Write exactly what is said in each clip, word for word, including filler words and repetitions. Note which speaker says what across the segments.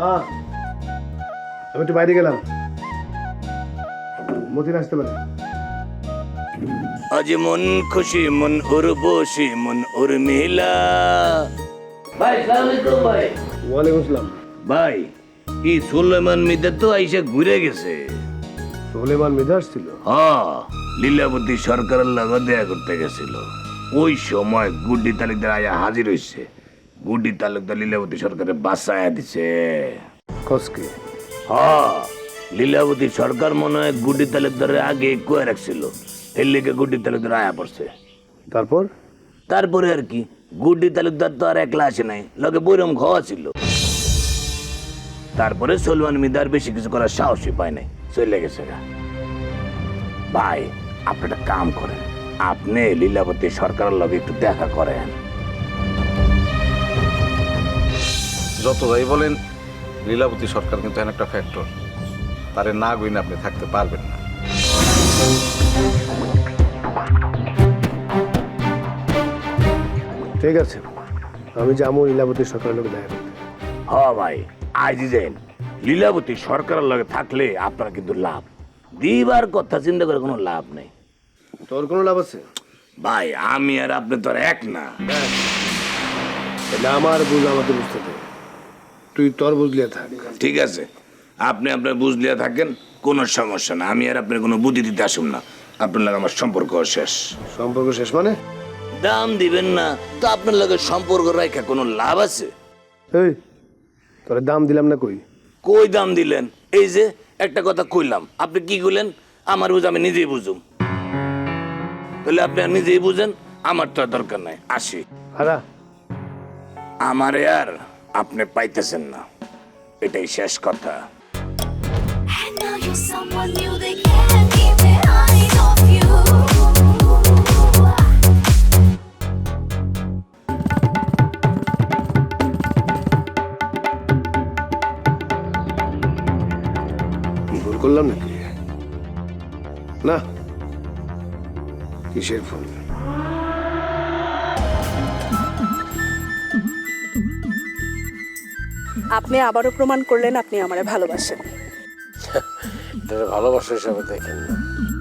Speaker 1: মা আমি একটু বাইরে গেলাম, মতিন আসতে পারে।
Speaker 2: আজ মন খুশি মন উর্বশী মন উর্মিলা। ভাই সালাম আলাইকুম ভাই।
Speaker 1: ওয়ালাইকুম আসসালাম।
Speaker 2: ভাই এই সুলেমান মিদা তো আইসা ঘুরে গেছে।
Speaker 1: সুলেমান মিদা আসছিল?
Speaker 2: হ্যাঁ, লীলাবতী সরকারের লগে দেখা করতে গেছিল। ওই সময় গুড্ডি তালুকদার আয়া হাজির হইছে। গুড্ডি তালুকদার লীলাবতী সরকারের বাসায় দিছে।
Speaker 1: কসকে?
Speaker 2: হ্যাঁ, লীলাবতী সরকার মনে হয় গুড্ডি তালুকদারের আগে কয়ে রাখছিল, এর লেগে গুড্ডি তালুকদার আয়া পড়ছে।
Speaker 1: তারপর?
Speaker 2: তারপরে আর কি, গুড্ডি তালুকদার তো আর একলা আসে নাই, লগে বৈরম খাওয়া ছিল। তারপরে সলমান মিদার বেশি কিছু করার সাহসই পায় নাই, চলে গেছে। ভাই আপনি একটা কাম করেন, আপনি লীলাবতী সরকারের লগে একটু দেখা করেন।
Speaker 3: যত যাই বলেন লীলাবতী সরকার কিন্তু এমন একটা ফ্যাক্টর, তারে না গইনে আপনি থাকতে পারবেন না।
Speaker 1: ঠিক আছে, আমি যাবো লীলাবতী সরকারের লোক দেখা করতে।
Speaker 2: হ ভাই, আইজি যাইন। লীলাবতী সরকারের লগে থাকলে আপনার কিন্তু লাভ, দিবার কথা চিন্তা করে কোনো লাভ নেই।
Speaker 1: তোর কোনো লাভ আছে?
Speaker 2: ভাই আমি আর আপনি তো আর এক না।
Speaker 1: তাহলে আমার বুঝ আমাকে বুঝতে দে, তুই তোর বুঝলিয়া থাক।
Speaker 2: ঠিক আছে, আপনি আপনার বুঝলিয়া থাকেন, কোনো সমস্যা না। আমি আর আপনার কোনো বুদ্ধি দিতে আসুন না, আপনার লাগে আমার সম্পর্ক শেষ।
Speaker 1: সম্পর্ক শেষ মানে?
Speaker 2: দাম দিবেন না তো আপনার লগে সম্পর্ক রাখা কোনো লাভ আছে?
Speaker 1: এই তোর দাম দিলাম না কই?
Speaker 2: কই দাম দিলেন? এই যে একটা কথা কইলাম, আপনি কি কইলেন? আমার বুঝ আমি নিজেই বুঝুম। তাহলে আপনি আর নিজেই বুঝেন, আমার তো আর দরকার নাই, আসি।
Speaker 1: হারা
Speaker 2: আমারে আর আপনি পাইতেছেন না, এটাই শেষ কথা।
Speaker 4: And now you're someone new, they can't keep their eyes off you.
Speaker 1: ভুল করলাম নাকি? না, কিসের ভুল?
Speaker 5: আপনি আবারও প্রমাণ করলেন আপনি আমারে ভালোবাসেন।
Speaker 6: এটা ভালোবাসা হিসাবে দেখেন না,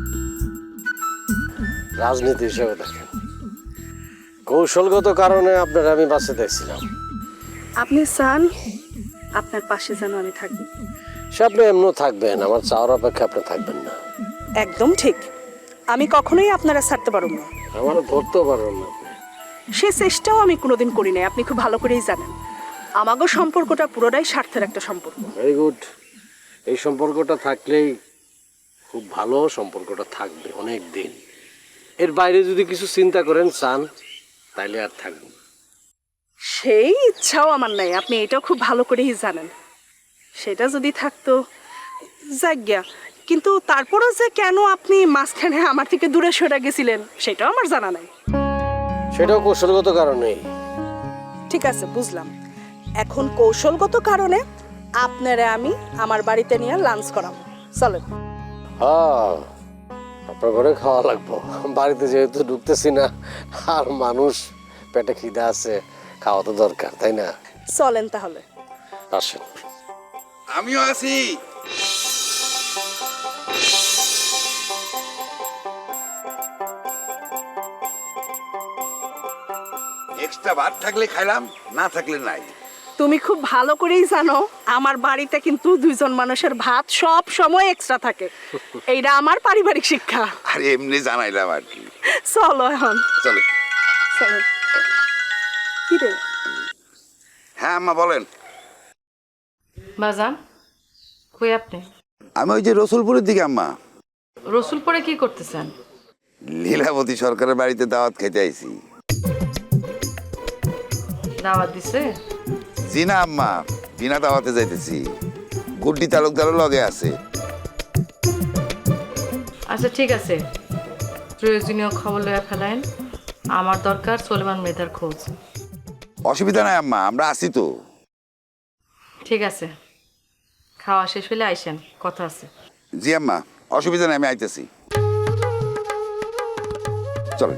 Speaker 6: রাজনীতি হিসাবে দেখেন। কৌশলগত কারণে আপনার আমি বাঁচতে দেখছিলাম।
Speaker 5: আপনি চান আপনার পাশে যেন আমি থাকি।
Speaker 6: সে আপনি এমন থাকবেন, আমার চাওয়ার অপেক্ষা আপনি থাকবেন না।
Speaker 5: একদম ঠিক, আমি কখনোই আপনারা ছাড়তে পারব না।
Speaker 6: আমারও ধরতেও পারবেন না আপনি।
Speaker 5: সে চেষ্টাও আমি কোনোদিন করি নাই, আপনি খুব ভালো করেই জানেন। আমাগো সম্পর্কটা পুরোটাই স্বার্থের একটা সম্পর্ক।
Speaker 6: ভেরি গুড, এই সম্পর্কটা থাকলেই খুব ভালো, সম্পর্কটা থাকবে অনেক দিন। এর বাইরে যদি কিছু চিন্তা করেন চান, তাইলে আর থাকবে না।
Speaker 5: সেই ইচ্ছাও আমার নাই, আপনি এটাও খুব ভালো করেই জানেন। সেটা যদি থাকতো যাজ্ঞা, কিন্তু তারপরও যে কেন আপনি মাঝখানে আমার থেকে দূরে সরে গেছিলেন সেটাও আমার জানা নাই।
Speaker 6: সেটাও কৌশলগত কারণেই।
Speaker 5: ঠিক আছে, বুঝলাম। এখন কৌশলগত কারণে আপনারা আমি আমার বাড়িতে নিয়ে লাঞ্চ করাবো, চলেন।
Speaker 6: হ্যাঁ, আপনার ঘরে খাওয়া লাগবো, বাড়িতে যেহেতু ঢুকতেছি না, আর মানুষ পেটে খিদা আছে, খাওয়া তো দরকার, তাই না?
Speaker 5: চলেন তাহলে।
Speaker 6: আসেন।
Speaker 3: আমিও আছি।
Speaker 7: এক্সট্রা ভাত থাকলে খাইলাম, না থাকলে নাই।
Speaker 5: তুমি খুব ভালো করেই জানো আমার বাড়িতে কিন্তু দুইজন মানুষের ভাত সব সময় এক্সট্রা থাকে। এইটা আমার পারিবারিক শিক্ষা।
Speaker 7: আর এমনি জানাইলাম আর কি।
Speaker 5: চলো এখন।
Speaker 7: চলে।
Speaker 5: চলো। কি রে?
Speaker 7: হ্যাঁ আম্মা বলেন।
Speaker 8: বাজান, কই আপনি?
Speaker 7: আমি ওই যে রসুলপুরের দিকে আম্মা।
Speaker 8: রসুলপুরে কি করতেছেন?
Speaker 7: লীলাবতী সরকারের বাড়িতে দাওয়াত খেতে আইছি।
Speaker 8: দাওয়াত দিছে?
Speaker 7: জি না আম্মা, বিনা দাওয়াতে যাইতেছি। গুড্ডি তালুকদারও লগে আছে।
Speaker 8: আচ্ছা ঠিক আছে, প্রয়োজনীয় খবর লইয়া ফেলাইন। আমার দরকার সলেমান মেধার খোঁজ।
Speaker 7: অসুবিধা নাই আম্মা, আমরা আছি তো।
Speaker 8: ঠিক আছে, খাওয়া শেষ হলে আইসেন, কথা আছে।
Speaker 7: জি আম্মা, অসুবিধা নাই, আমি আইতেছি। চলেন।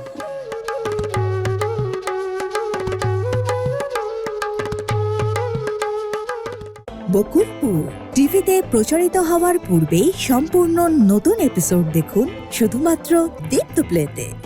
Speaker 9: বকুলপুর টিভিতে প্রচারিত হওয়ার পূর্বেই সম্পূর্ণ নতুন এপিসোড দেখুন শুধুমাত্র দীপ্ত প্লেতে।